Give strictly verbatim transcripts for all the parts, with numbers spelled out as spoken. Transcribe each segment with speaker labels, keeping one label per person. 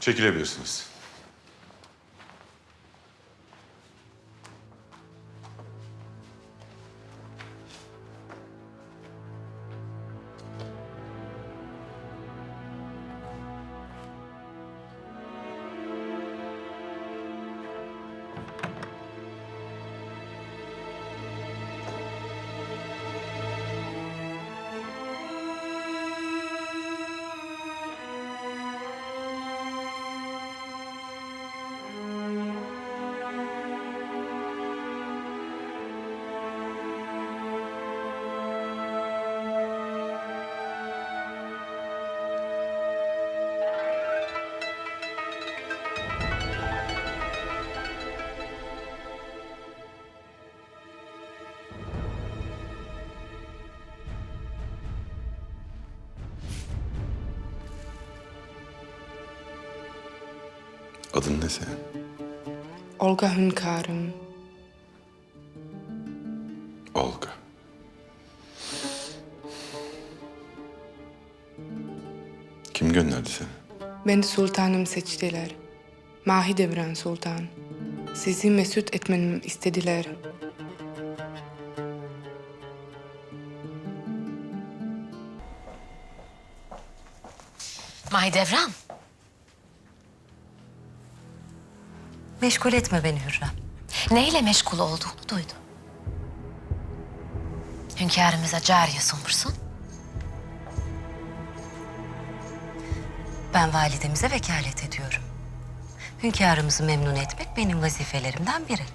Speaker 1: Çekilebilirsiniz. Adın ne senin?
Speaker 2: Olga hünkârım.
Speaker 1: Olga. Kim gönderdi seni?
Speaker 2: Beni sultanım seçtiler. Mahidevran Sultan. Sizi mesut etmemi istediler.
Speaker 3: Mahidevran.
Speaker 4: Meşgul etme beni Hürrem.
Speaker 3: Neyle meşgul olduğunu duydum. Hünkârımıza cariye sunmuşsun.
Speaker 4: Ben validemize vekalet ediyorum. Hünkârımızı memnun etmek benim vazifelerimden biri.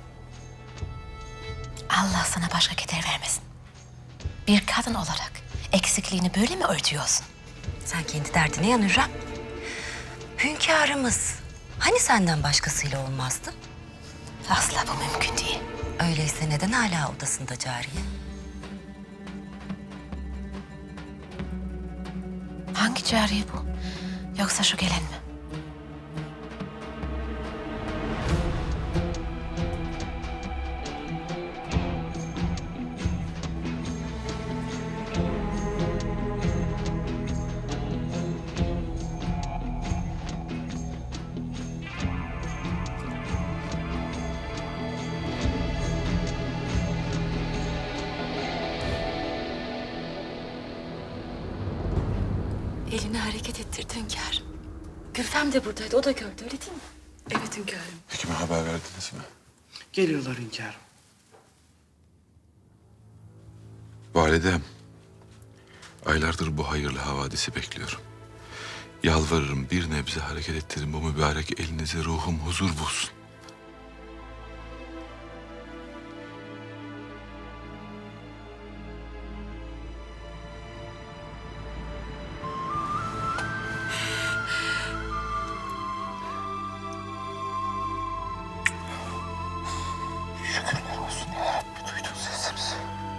Speaker 3: Allah sana başka keder vermesin. Bir kadın olarak eksikliğini böyle mi örtüyorsun?
Speaker 4: Sen kendi derdine yan Hürrem. Hünkârımız hani senden başkasıyla olmazdı?
Speaker 3: Asla bu mümkün değil.
Speaker 4: Öyleyse neden hala odasında cariye?
Speaker 3: Hangi cariye bu? Yoksa şu gelen mi?
Speaker 4: Elini hareket ettirdi hünkârım. Gülfem de buradaydı, o da gördü öyle değil mi?
Speaker 5: Evet hünkârım.
Speaker 1: Hekime haber verdiniz mi?
Speaker 5: Geliyorlar hünkârım.
Speaker 1: Validem, aylardır bu hayırlı havadisi bekliyorum. Yalvarırım bir nebze hareket ettirin bu mübarek elinizi, ruhum huzur bulsun. Şükürler olsun ya Rabbi, duydun sesimizi.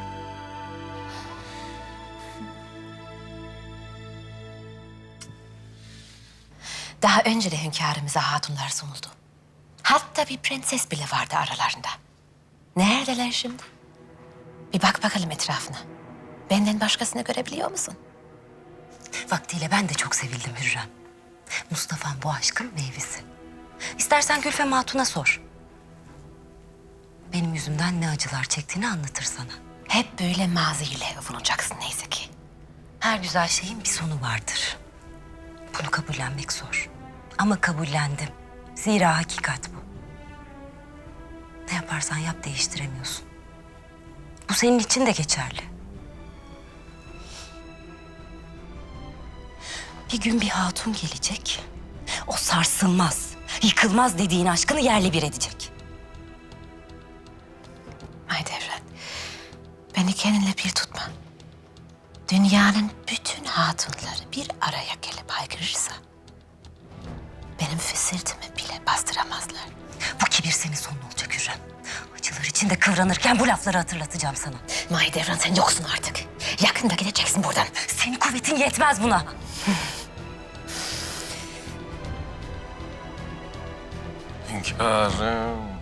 Speaker 3: Daha önce de hünkârımıza hatunlar sunuldu. Hatta bir prenses bile vardı aralarında. Neredeler şimdi? Bir bak bakalım etrafına. Benden başkasını görebiliyor musun?
Speaker 4: Vaktiyle ben de çok sevildim Hürrem. Mustafa'm bu aşkın meyvesi. İstersen Gülfem Hatun'a sor. Benim yüzümden ne acılar çektiğini anlatır sana.
Speaker 3: Hep böyle maziyle övünacaksın neyse ki.
Speaker 4: Her güzel şeyin bir sonu vardır. Bunu kabullenmek zor. Ama kabullendim. Zira hakikat bu. Ne yaparsan yap değiştiremiyorsun. Bu senin için de geçerli. Bir gün bir hatun gelecek. O sarsılmaz, yıkılmaz dediğin aşkını yerle bir edecek.
Speaker 3: Mahidevran, beni kendinle bir tutma. Dünyanın bütün hatunları bir araya gelip haykırırsa... benim fısıltımı bile bastıramazlar.
Speaker 4: Bu kibir senin sonun olacak Hürrem. Acılar içinde kıvranırken bu lafları hatırlatacağım sana.
Speaker 3: Mahidevran, sen yoksun artık. Yakında gideceksin buradan.
Speaker 4: Senin kuvvetin yetmez buna.
Speaker 6: Hünkârım.